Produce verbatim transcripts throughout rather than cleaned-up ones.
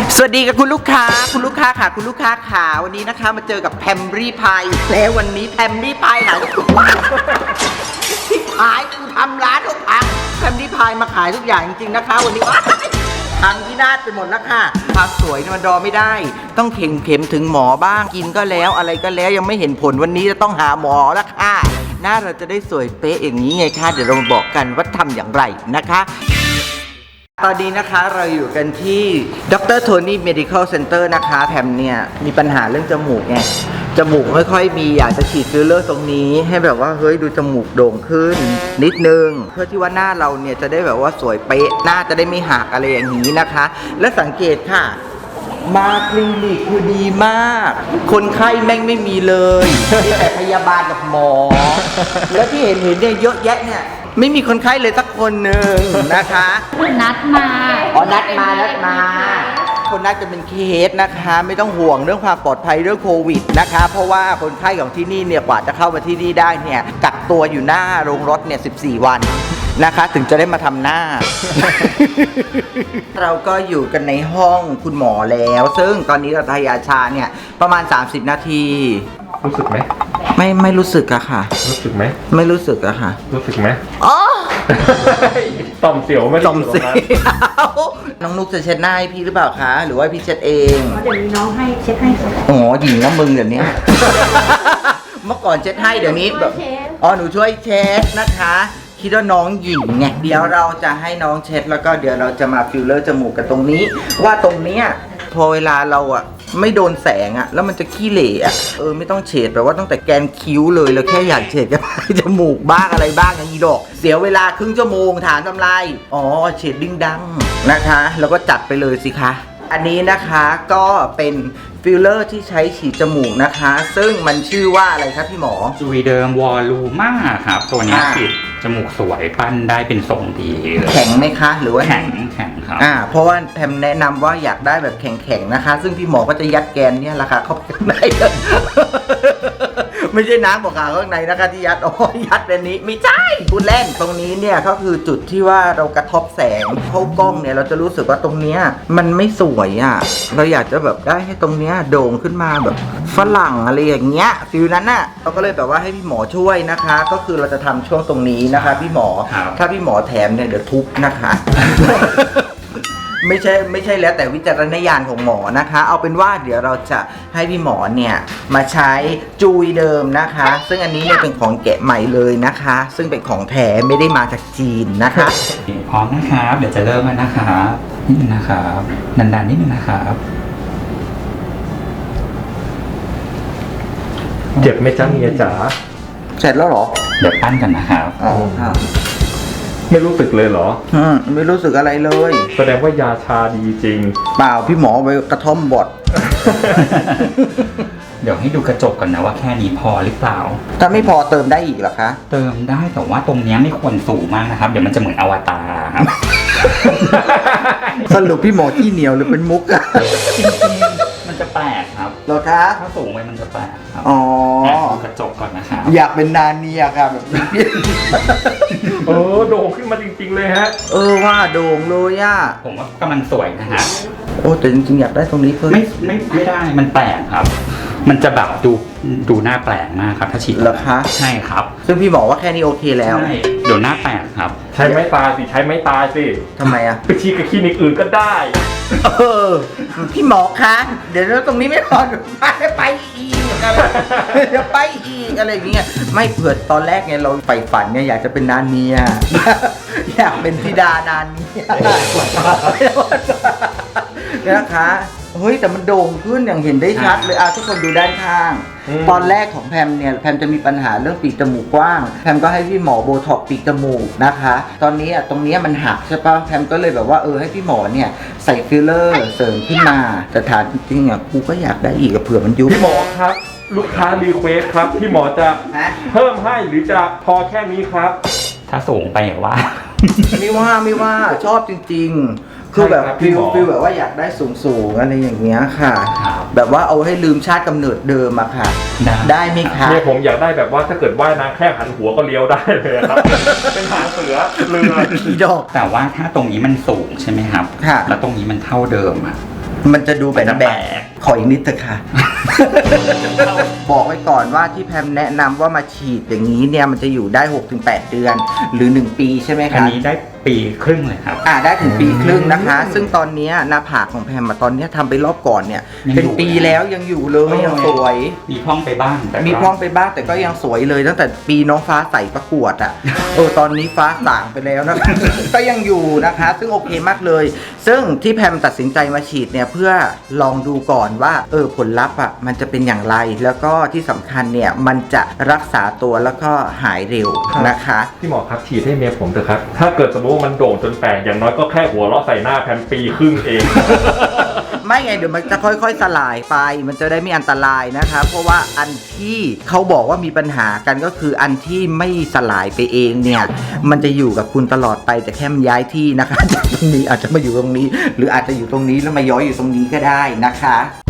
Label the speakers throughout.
Speaker 1: สวัสดีกับคุณลูกค้าคุณลูกค้าค่ะคุณลูกค้าขาวันนี้นะคะมาเจอกับแพมรี่พายแล้ววันนี้แพมรี่พายหายที่ขายกูทำร้านทุกพังแพมรี่พายมาขายทุกอย่างจริงๆนะคะวันนี้พังที่นาดไปหมดแล้วค่ะความสวยมันรอไม่ได้ต้องเข็มเข็มถึงหมอบ้างกินก็แล้วอะไรก็แล้วยังไม่เห็นผลวันนี้จะต้องหาหมอแล้วค่ะหน้าเราจะได้สวยเป๊ะอย่างนี้ไงคะเดี๋ยวเรามาบอกกันว่าทำอย่างไรนะคะตอนนี้นะคะเราอยู่กันที่ดรโทนี่ Medical Center นะคะแพมเนี่ยมีปัญหาเรื่องจมูกไงจมูกไม่ค่อยมีอยากจะฉีดฟิลเลอร์ตรงนี้ให้แบบว่าเฮ้ยดูจมูกโด่งขึ้นนิดนึงเพื่อที่ว่าหน้าเราเนี่ยจะได้แบบว่าสวยเป๊ะหน้าจะได้ไม่หักอะไรอย่างนี้นะคะและสังเกตค่ะมาคลินิกคือดีมากคนไข้แม่งไม่มีเลยมีแต่พยาบาลกับหมอแล้วที่เห็นเห็นเนี่ยเยอะแยะเนี่ยไม่มีคนไข้เลยสักคนหนึ่งนะคะ
Speaker 2: นัดมา
Speaker 1: อ๋อนัดมานัดมาคนนัดจะเป็นเคสนะคะไม่ต้องห่วงเรื่องความปลอดภัยเรื่องโควิดนะคะเพราะว่าคนไข้ของที่นี่เนี่ยกว่าจะเข้ามาที่นี่ได้เนี่ยกักตัวอยู่หน้าโรงรถเนี่ยสิบสี่วันนะคะถึงจะได้มาทำหน้า เราก็อยู่กันในห้องคุณหมอแล้วซึ่งตอนนี้เราทายาชาเนี่ยประมาณสามสิบนาที
Speaker 3: รู้สึกไหม
Speaker 1: ไม่ไม่รู้สึกอะค่ะ
Speaker 3: รู้สึกไหม
Speaker 1: ไม่รู้สึกอะค่ะ
Speaker 3: รู้สึกไหม
Speaker 1: อ๋อ
Speaker 3: ต่อมเสียวไม่
Speaker 1: ต่อมเสียวน้องนุ๊กจะเช็ดหน้าให้พี่หรือเปล่าคะหรือว่าพี่เช็ดเอง
Speaker 2: เดี๋ยวนี้น้องให้เช็ดให้ค่ะ
Speaker 1: อ๋อหญิงน้ำมึงเดี๋ยวนี้ เมื่อก่อนเช็ดให้เดี๋ยวนี้แบบอ๋อหนูช่วยเช็ดนะคะคิดว่าน้องหญิงไงเดี๋ยวเราจะให้น้องเช็ดแล้วก็เดี๋ยวเราจะมาฟิลเลอร์จมูกกันตรงนี้ว่าตรงเนี้ยพอเวลาเราอะไม่โดนแสงอะแล้วมันจะขี้เหร่อะเออไม่ต้องเฉดแบบว่าตั้งแต่แกนคิ้วเลยเราแค่อยากเฉดกับจมูกบ้างอะไรบ้างอย่างนี้ดอกเสียเวลาครึ่งชั่วโมงฐานทำลายอ๋อเฉดดิ้งดังนะคะแล้วก็จัดไปเลยสิคะอันนี้นะคะก็เป็นฟิลเลอร์ที่ใช้ฉีดจมูกนะคะซึ่งมันชื่อว่าอะไรครับพี่หมอ
Speaker 4: จูวีเดิมวอลลูม่าครับตัวนี้ฉีดจมูกสวยปั้นได้เป็นทรงดี
Speaker 1: แข็งไหมคะหรือว่า
Speaker 4: แข็งแข็งครับ
Speaker 1: อ่าเพราะว่าแพมแนะนำว่าอยากได้แบบแข็งๆนะคะซึ่งพี่หมอก็จะยัดแกนเนี่ยราคาเข้าไปข้างในไม่ใช่น้ำบอกขาข้างในนะคะที่ยัดอ๋อยัดแบบนี้ไม่ใช่พูดเล่นตรงนี้เนี่ยก็คือจุดที่ว่าเรากระทบแสงเข้ากล้องเนี่ยเราจะรู้สึกว่าตรงเนี้ยมันไม่สวยอ่ะเราอยากจะแบบได้ให้ตรงเนี้ยโด่งขึ้นมาแบบฝรั่งอะไรอย่างเงี้ยฟิลนั้นน่ะเราก็เลยแบบว่าให้พี่หมอช่วยนะคะก็คือเราจะทำช่วงตรงนี้นะคะพี่หมอถ้าพี่หมอแถมเนี่ยเดี๋ยวทุบนะคะ ไม่ใช่ไม่ใช่แล้วแต่วิจารณญาณของหมอนะคะเอาเป็นว่าเดี๋ยวเราจะให้พี่หมอเนี่ยมาใช้จูยเดิมนะคะซึ่งอันนี้เนี่ยเป็นของแกะใหม่เลยนะคะซึ่งเป็นของแท้ไม่ได้มาจากจีนนะคะ
Speaker 4: พร้อมนะครับเดี๋ยวจะเริ่มแล้วนะครับนิดนึงนะครับดันๆนิดนึงนะครับ
Speaker 3: เจ็บไหมจ๊ะเมียจ๋า
Speaker 1: เสร็จแล้วเหรอ
Speaker 4: เดี๋ยวปั้นกันนะครับ
Speaker 1: อ๋อครับ
Speaker 3: ไม่รู้สึกเลยเหรอ
Speaker 1: อืมไม่รู้สึกอะไรเลย
Speaker 3: แสดงว่ายาชาดีจริง
Speaker 1: เปล่าพี่หมอไปกระท่อมบด
Speaker 4: เดี๋ยวให้ดูกระจกก่อนนะว่าแค่นี้พอหรือเปล่า
Speaker 1: ถ้าไม่พอเติมได้อีกเหรอคะ
Speaker 4: เติมได้แต่ว่าตรงนี้ไม่ควรสูงมากนะครับเดี๋ยวมันจะเหมือนอวตารครับ
Speaker 1: สรุปพี่หมอที่เหนียวหรือเป็นมุกอะ
Speaker 4: จริงๆมันจะแปลกครับ
Speaker 1: เหรอคะ
Speaker 4: ถ้าสูงไปมันจะแปลกครับ
Speaker 1: อ๋อ
Speaker 4: ดูกระจกก่อนนะครับ
Speaker 1: อยากเป็นนาเนียค่ะแบบนี้
Speaker 3: เออโด่งขึ้นมาจริงๆเลยฮะ
Speaker 1: เออว่าโด่งเลยอ่ะ
Speaker 4: ผมว่ากำลังสวยนะฮะ
Speaker 1: โอ้แต่จริงๆอยากได้ตรงนี้เพิ่ม
Speaker 4: ไม่ไม่ไม่ได้มันแปลกครับมันจะแบบดูดูหน้าแปลกมากครับถ้าฉีด
Speaker 1: เหรอคะ
Speaker 4: ใช่ครับ
Speaker 1: ซึ่งพี่บอกว่าแค่นี้โอเคแล้ว
Speaker 4: ใช่เดี๋ยวหน้าแปลกครับ
Speaker 3: ใช้ไม้ตายสิใช้ไม้ตายสิ
Speaker 1: ทำไมอ่ะ
Speaker 3: ไปฉีดกับคลินิกอื่นก็ได้
Speaker 1: เออพี่หมอคะเดี๋ยวตรงนี้ไม่พอไปไปอีกเดี๋ยวไปอีกอะไรอย่างเงี้ยไม่เผื่อตอนแรกไงเราใฝ่ฝันเนี่ยอยากจะเป็นนาเนียอยากเป็นธิดานานเนียนะคะเฮ้ยแต่มันโด่งขึ้นอย่างเห็นได้ชัดเลยอ่ะทุกคนดูด้านข้างตอนแรกของแพมเนี่ยแพมจะมีปัญหาเรื่องปีกจมูกกว้างแพมก็ให้พี่หมอโบท็อกปีกจมูกนะคะตอนนี้อ่ะตรงนี้มันหักใช่ปะแพมก็เลยแบบว่าเออให้พี่หมอเนี่ยใส่ฟิลเลอร์เสริมขึ้นมาแต่ถามจริงๆอ่ะกูก็อยากได้อีกเผื่อมันยุบ
Speaker 3: พี่หมอครับลูกค้ารีเควสครับพี่หมอจะเพิ่มให้หรือจะพอแค่นี้ครับ
Speaker 4: ถ้าสูงไปอย่างว่า
Speaker 1: ไม่ว่าไม่ว่าชอบจริงๆคือแบบฟิลฟิลแบบว่าอยากได้สูงๆอะไรอย่างเงี้ยค่ะแบบว่าเอาให้ลืมชาติกำเนิดเดิมอะค่ะได้ไหมคะ
Speaker 3: เนี่ยผมอยากได้แบบว่าถ้าเกิดว่ายน้ำแค่หันหัวก็เลี้ยวได้เลยครับเป็นหางเสือเรือ
Speaker 1: ดอก
Speaker 4: แต่ว่าถ้าตรงนี้มันสูงใช่ไหมครับ
Speaker 1: ค่ะ
Speaker 4: แล้วตรงนี้มันเท่าเดิมอะ
Speaker 1: มันจะดูแบนแบกขออีกนิดเถอะค่ะ บอกไว้ก่อนว่าที่แพมแนะนำว่ามาฉีดอย่างนี้เนี่ยมันจะอยู่ได้ หกถึงแปด เดือน หรือ หนึ่ง ปีใช่ไหม
Speaker 4: อัน
Speaker 1: คะ
Speaker 4: นี้ได้ปีครึ่งเลยครับ
Speaker 1: อ่าได้ถึงปีครึ่งนะคะ ซึ่งตอนเนี้ยหน้าผากของแพมอะตอนเนี้ยทำไปรอบก่อนเนี่ย
Speaker 4: ยังอยู่
Speaker 1: เป็นปีแล้วยังอยู่เลยยังสวย
Speaker 4: มีพร่องไปบ้างแต่ก็
Speaker 1: มีพร่องไปบ้างแต่ก็ยังสวยเลยตั้งแต่ปีน้องฟ้าใสประกวดอ่ะ เออตอนนี้ฟ้าสางไปแล้วนะคะ ก็ยังอยู่นะคะ ซึ่งโอเคมากเลย ซึ่งที่แพมตัดสินใจมาฉีดเนี่ยเพื่อลองดูก่อนว่าเออผลลัพธ์อ่ะมันจะเป็นอย่างไร แล้วก็ที่สำคัญเนี่ยมันจะรักษาตัวแล้วก็หายเร็วนะคะ
Speaker 3: พี่หมอครับฉีดให้เมียผมเถอะครับ ถ้าเกิดสมมติว่ามันโด่งจนแตกอย่างน้อยก็แค่หัวเราะใส่หน้าแพมปีครึ่งเอง
Speaker 1: ไม่ไงเดี๋ยวมันจะค่อยๆสลายไป มันจะได้ไม่อันตรายนะคะ เพราะว่าอันที่เขาบอกว่ามีปัญหากันก็คืออันที่ไม่สลายไปเองเนี่ยมันจะอยู่กับคุณตลอดไปแต่แค่มันย้ายที่นะคะ จากตรงนี้อาจจะมาอยู่ตรงนี้ หรืออาจจะอยู่ตรงนี้แล้วมาย้อยอยู่ตรงนี้ก็ได้นะคะ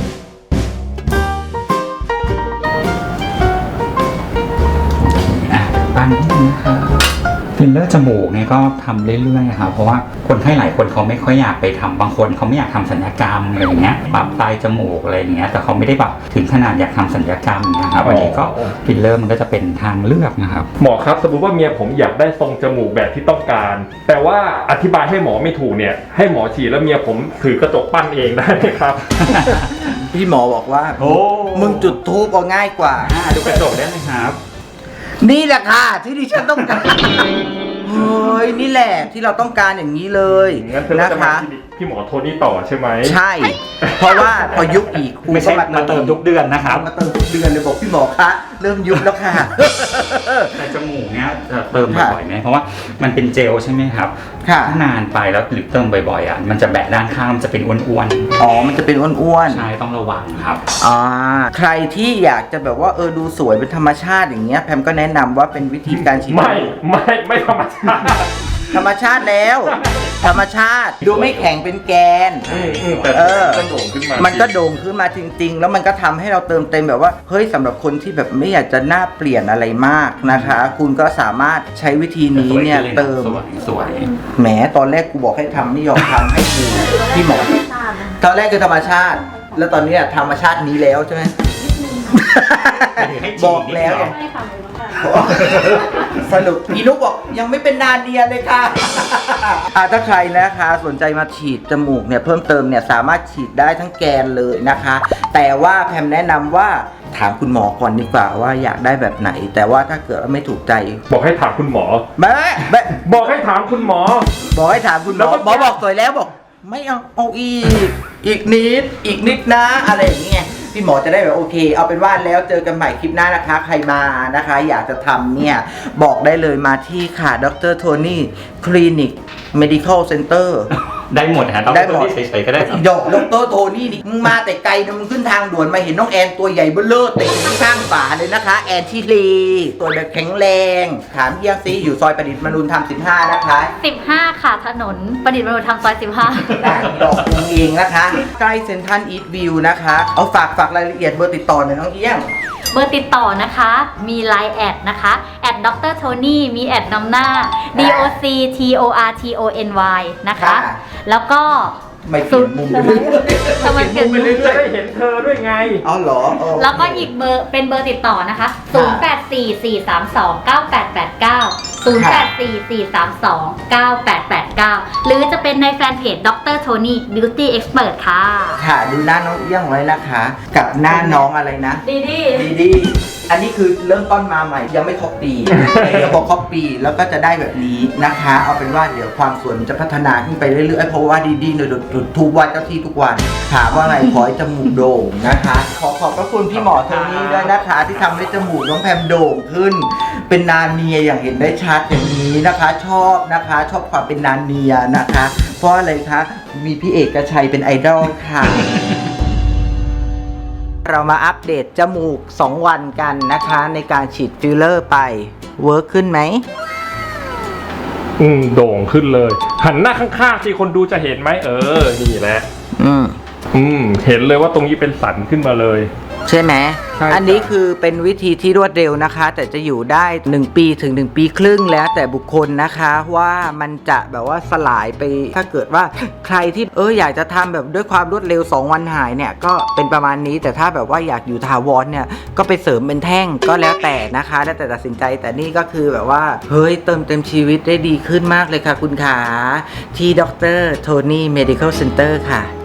Speaker 4: อ่ะปั้นนิดนึงนะครับฟิลเลอร์จมูกเนี่ยก็ทำเรื่อยๆครับเพราะว่าคนไข้หลายคนเขาไม่ค่อยอยากไปทำบางคนเขาไม่อยากทำศัลยกรรมอะไรอย่างเงี้ยปรับปลายจมูกอะไรอย่างเงี้ยแต่เขาไม่ได้แบบถึงขนาดอยากทำศัลยกรรมนะครับอันนี้ก็ฟิลเลอร์มันก็จะเป็นทางเลือกนะครับ
Speaker 3: หมอครับสมมติว่าเมียผมอยากได้ทรงจมูกแบบที่ต้องการ แต่ว่าอธิบายให้หมอไม่ถูกเนี่ยให้หมอฉีดแล้วเมียผมถือกระจกปั้นเองได้ไหมครับ
Speaker 1: พี่หมอบอกว่า
Speaker 4: โอ้
Speaker 1: มึงจุดทูบเอาง่ายกว่า
Speaker 4: อ่าดูกระจกได้ไหมครับ
Speaker 1: นี่แหละค่ะที่ดิฉันต้องการเฮ้ยนี่แหละที่เราต้องการอย่างนี้เลย
Speaker 3: งั้นเธอก็
Speaker 1: นะ
Speaker 3: จะมา
Speaker 1: คะ
Speaker 3: คลินิกพี่หมอโทนี่ต่อใช่ไหม
Speaker 1: ใช่ เพราะว่าพอยุบอีกครู
Speaker 4: ไม่
Speaker 1: ก็
Speaker 4: ใช่
Speaker 1: มา
Speaker 4: มาเติมทุกเดือนนะครับ
Speaker 1: มาเติมทุกเดือนเลยบอกพี่หมอคะเริ่มยุบแล้วค่ะ
Speaker 4: แต่จมูกเนี่ยจะเติมบ่อยๆไหมเพราะว่ามันเป็นเจลใช่ไหมครับ
Speaker 1: ค่ะ
Speaker 4: ถ้านานไปแล้วหรือเติมบ่อยๆอ่ะมันจะแบะด้านข้างมันจะเป็นอ้วน
Speaker 1: อ๋อมันจะเป็นอ้วน
Speaker 4: ๆใช่ต้องระวังครับ
Speaker 1: ๆอ่าใครที่อยากจะแบบว่าเออดูสวยเป็นธรรมชาติอย่างเงี้ยแพมก็แนะนำว่าเป็นวิธีการฉีด
Speaker 3: ไม่ไม่ไม่ธรรมชาติ
Speaker 1: ธรรมชาติแล้ว ธรรมชาติดูไม่แข็งเป็นแกน
Speaker 3: อืมอืมแต่
Speaker 1: เออ
Speaker 3: ก็โด่งขึ้นมา
Speaker 1: มันก็โด่งขึ้นมาจริงๆ แล้วมันก็ทำให้เราเติมเต็มแบบว่า เฮ้ยสำหรับคนที่แบบไม่อยากจะหน้าเปลี่ยนอะไรมากนะคะ คุณก็สามารถใช้วิธีนี้เนี่ยเติม
Speaker 4: สวยสวย
Speaker 1: แหมตอนแรกกูบอกให้ทำไม่ยอมทำให้กูพี่หมอ ตอนแรกคือธรรมชาติ แล้วตอนนี้อะธรรมชาตินี้แล้วใช่ไหม บอกแล้วไง
Speaker 2: ไม่ค่ะไม่ค่ะ
Speaker 1: สรุปอีนุกบอกยังไม่เป็นนาเนียเลยค่ะ อ่ะถ้าใครนะคะสนใจมาฉีดจมูกเนี่ยเพิ่มเติมเนี่ยสามารถฉีดได้ทั้งแกนเลยนะคะ แต่ว่าแพมแนะนำว่าถามคุณหมอก่อนดีกว่าว่าอยากได้แบบไหน แต่ว่าถ้าเกิดว่าไม่ถูกใจ
Speaker 3: บอกให้ถามคุณหมอ
Speaker 1: แม่แม่
Speaker 3: บอกให้ถามคุณหมอ
Speaker 1: บอกให้ถามคุณหม
Speaker 3: แล้
Speaker 1: อ
Speaker 3: วก็
Speaker 1: หมอบอกสวยแล้วบอก ไม่เอาเอาอีก อีกนิดอีกนิดนะอะไรอย่างเงี้ยพี่หมอจะได้แบบโอเค เอาเป็นว่าแล้วเจอกันใหม่คลิปหน้านะคะ ใครมานะคะ อยากจะทำเนี่ย บอกได้เลยมาที่ค่ะดรโทนี่คลินิก medical center
Speaker 4: ได้หมดนะต้อง
Speaker 1: ได้
Speaker 4: เป็น
Speaker 1: หม
Speaker 4: ค
Speaker 1: ด
Speaker 4: นที่เฉยๆก็ได้ครับ
Speaker 1: ดอกดรโทนี่นี่มึงมาแต่ไกลนะมึงขึ้นทางด่วนมาเห็นน้องแอนตัวใหญ่เบ้อเลิศเตะอยู่ข้างฝาเลยนะคะ แอนชิลีตัวแบบแข็งแรง ถามเยี่ยงซีอยู่ซอยประดิษฐ์มนุนธรรมสิบห้านะคะ
Speaker 2: สิบห้าค่ะถนนประดิษฐ์มนุษยธรรมซอยสิบห้า
Speaker 1: ได้ดอกวงเองนะคะ ใกล้เซ็นทรัลอีทวิวนะคะ เอาฝากฝากรายละเอียดเบอร์ติดต่อหน่อยน้องเอี้ยง
Speaker 2: เบอร์ติดต่อนะคะ มี ไลน์ แอดนะคะแอดดรโทนี่มีแอดนำหน้า D O C T O R T O N Y นะคะ
Speaker 1: ค่ะ
Speaker 2: แล้วก็
Speaker 1: ไม่เปลี่ยนมุมไปเรื่อยๆ
Speaker 2: ทำไมเปลี่ยนมุม
Speaker 1: เรื่
Speaker 3: จะ
Speaker 1: อย
Speaker 3: ได้เห็นเธอด้วยไง
Speaker 1: ๆเอาเหรอเออ
Speaker 2: แล้วก็อีกเบอร์เป็นเบอร์ติดต่อนะคะศูนย์ แปด สี่ สี่ สาม สอง เก้า แปด แปด เก้า ศูนย์ แปด สี่ สี่ สาม สอง เก้า แปด แปด เก้า หรือจะเป็นในแฟนเพจดรโทนี่ Beauty Expert ค่ะ
Speaker 1: ค่ะดูหน้าน้องเอี้ยงไว้นะคะ กับหน้าน้องอะไรนะ
Speaker 2: ดีดี
Speaker 1: ดีดีอันนี้คือเริ่มต้นมาใหม่ยังไม่ครบปี เดี๋ยวพอครบปีแล้วก็จะได้แบบนี้นะคะ เอาเป็นว่าเดี๋ยวความสวยมันจะพัฒนาขึ้นไปเรื่อยๆเพราะว่าดีดีเนี่ยจุดทูบไหว้เจ้าที่ทุกวัน ถามว่าไงขอให้จมูกโด่งนะคะ ขอขอบพระคุณพี่หมอโทนี่ด้วยนะคะ ที่ทำให้จมูกน้องแพมโด่งขึ้น เป็นนาเนียอย่างเห็นได้ชัดอย่างนี้นะคะ ชอบนะคะ ชอบความเป็นนาเนียนะคะ เพราะอะไรคะมีพี่เอกชัยเป็นไอดอลค่ะ เรามาอัปเดตจมูก สอง วันกันนะคะ ในการฉีดฟิลเลอร์ไปเวิร์คขึ้นไหม
Speaker 3: อืมโด่งขึ้นเลย หันหน้าข้างๆสิคนดูจะเห็นไหมเออ นี่แหละ
Speaker 1: อืม
Speaker 3: อืมเห็นเลยว่าตรงนี้เป็นสันขึ้นมาเลย
Speaker 1: ใช่ไหม
Speaker 3: ใช่
Speaker 1: อันนี้คือเป็นวิธีที่รวดเร็วนะคะ แต่จะอยู่ได้หนึ่งปีถึงหนึ่งปีครึ่งแล้วแต่บุคคลนะคะว่ามันจะแบบว่าสลายไปถ้าเกิดว่าใครที่เอออยากจะทำแบบด้วยความรวดเร็วสองวันหายเนี่ยก็เป็นประมาณนี้แต่ถ้าแบบว่าอยากอยู่ถาวรเนี่ยก็ไปเสริมเป็นแท่งก็แล้วแต่นะคะแล้วแต่ตัดสินใจแต่นี่ก็คือแบบว่าเฮ้ยเติมเต็มชีวิตได้ดีขึ้นมากเลยค่ะคุณขาที่ดรโทนี่ Medical Center ค่ะ